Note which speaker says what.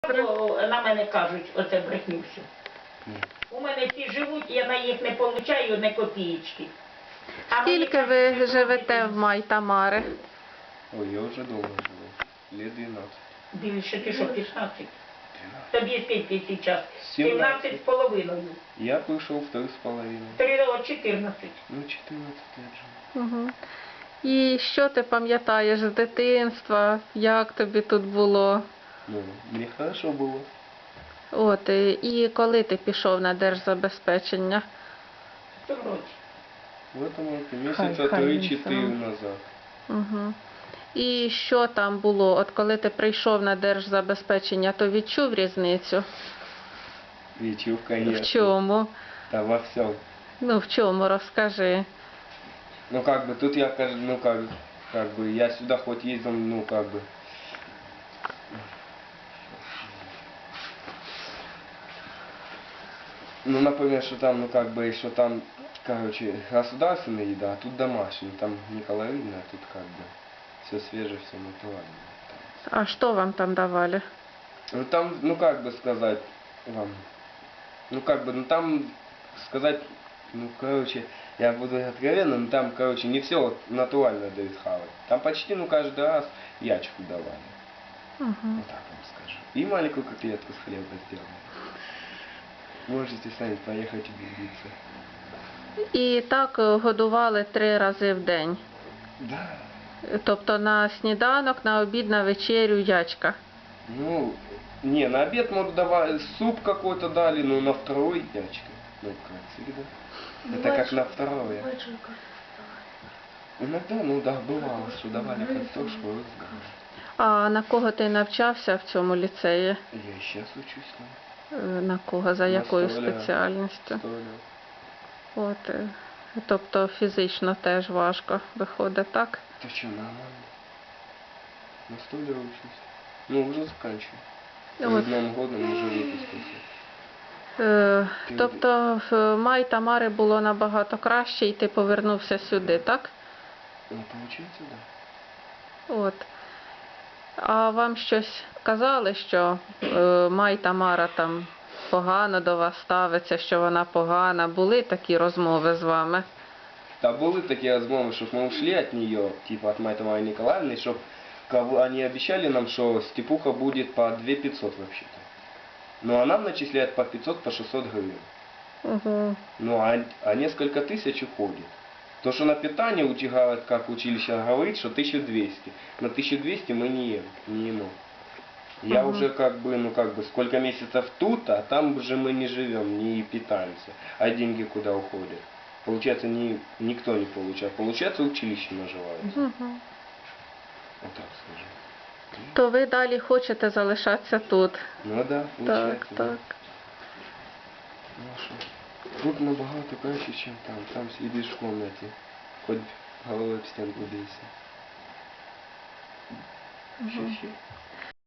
Speaker 1: На мене кажуть, оце брехню всю. У мене всі живуть, я на їх не получаю ні копієчки.
Speaker 2: Скільки ви живете в Май-Тамари?
Speaker 3: Ой, я вже довго живу. Лет 12.
Speaker 1: Більше ти що, 15? Тобі скільки зараз?
Speaker 3: 17
Speaker 1: 17 з половиною.
Speaker 3: Я прийшов в 3,5.
Speaker 1: 14.
Speaker 3: Ну, 14 лет живу.
Speaker 2: Угу. І що ти пам'ятаєш з дитинства? Як тобі тут було?
Speaker 3: Ну, мені хорошо було.
Speaker 2: От, і коли ти пішов на держзабезпечення?
Speaker 1: В цьому році.
Speaker 3: В этом році
Speaker 2: Хай
Speaker 3: місяця
Speaker 2: він
Speaker 3: 3-4
Speaker 2: сам.
Speaker 3: назад.
Speaker 2: Угу. І що там було? От коли ти прийшов на держзабезпечення, то відчув різницю?
Speaker 3: Відчув, конечно.
Speaker 2: В чому?
Speaker 3: Да во всем.
Speaker 2: Ну, в чому, розкажи.
Speaker 3: Ну, как бы, тут я, ну, как бы, я сюда хоть ездил, ну, как бы. Ну, например, что там, ну, как бы, что там, короче, государственная еда, а тут домашняя. Там не калорийная, а тут, как бы, все свежее, все натуральное.
Speaker 2: А що вам там давали?
Speaker 3: Ну, там, ну, как бы сказать вам, ну, как бы, ну, там сказать, ну, короче, я буду откровенным, но там, короче, не все вот натурально дают хавать. Там почти, ну, каждый раз ячку давали.
Speaker 2: Угу.
Speaker 3: Вот так вам скажу. И маленькую котлетку с хлеба сделали. Можете сами поехать убедиться.
Speaker 2: І так годували 3 рази в день.
Speaker 3: Да.
Speaker 2: Тобто на сніданок, на обід, на вечерю ячка.
Speaker 3: Ну, не, на обед, может, давали, суп какой-то дали, но на второй ячка. Ну, как всегда. Это как на второе. Иногда, ну да, бывало, что давали картошку, разговор.
Speaker 2: А на кого ти навчався в цьому ліцеї?
Speaker 3: Я и сейчас учусь там.
Speaker 2: На кого? За
Speaker 3: На
Speaker 2: якою
Speaker 3: столяра.
Speaker 2: спеціальністю?
Speaker 3: Столяр.
Speaker 2: От, тобто фізично теж важко виходить, так?
Speaker 3: Ты что, нормально? На столяра учусь. Ну, уже заканчиваю.
Speaker 2: Вот.
Speaker 3: Перед Новым годом уже выпустился.
Speaker 2: Тобто в Май-Тамари було набагато краще і ти повернувся сюди, так?
Speaker 3: Ну, получается, да.
Speaker 2: От. А вам щось казали, що Май-Тамара там погано до вас ставиться, що вона погана? Були такі розмови з вами?
Speaker 3: Да были такие размовы, чтобы мы ушли от нее, типа от Майи Тамары Николаевны, чтобы они обещали нам, что степуха будет по 2500 вообще-то. Но она начисляет по 500, по 600 гривен.
Speaker 2: Угу.
Speaker 3: Ну, а несколько тысяч уходит. То, что на питание утягивает, как училище говорит, что 1200. На 1200 мы не ем. Я уже как бы, ну как бы, сколько месяцев тут, а там уже мы не живем, не питаемся. А деньги куда уходят? Получается, никто не получает. Получается, училище наживается.
Speaker 2: Угу.
Speaker 3: Вот так скажем.
Speaker 2: То ви далі хочете залишатися тут?
Speaker 3: Ну да, получается.
Speaker 2: Так,
Speaker 3: да.
Speaker 2: так.
Speaker 3: Ну а что? Тут набагато краще, чем там. Там сидишь в комнате. Хоть головой об стенку бейся.
Speaker 2: Угу.
Speaker 3: Щи-щи.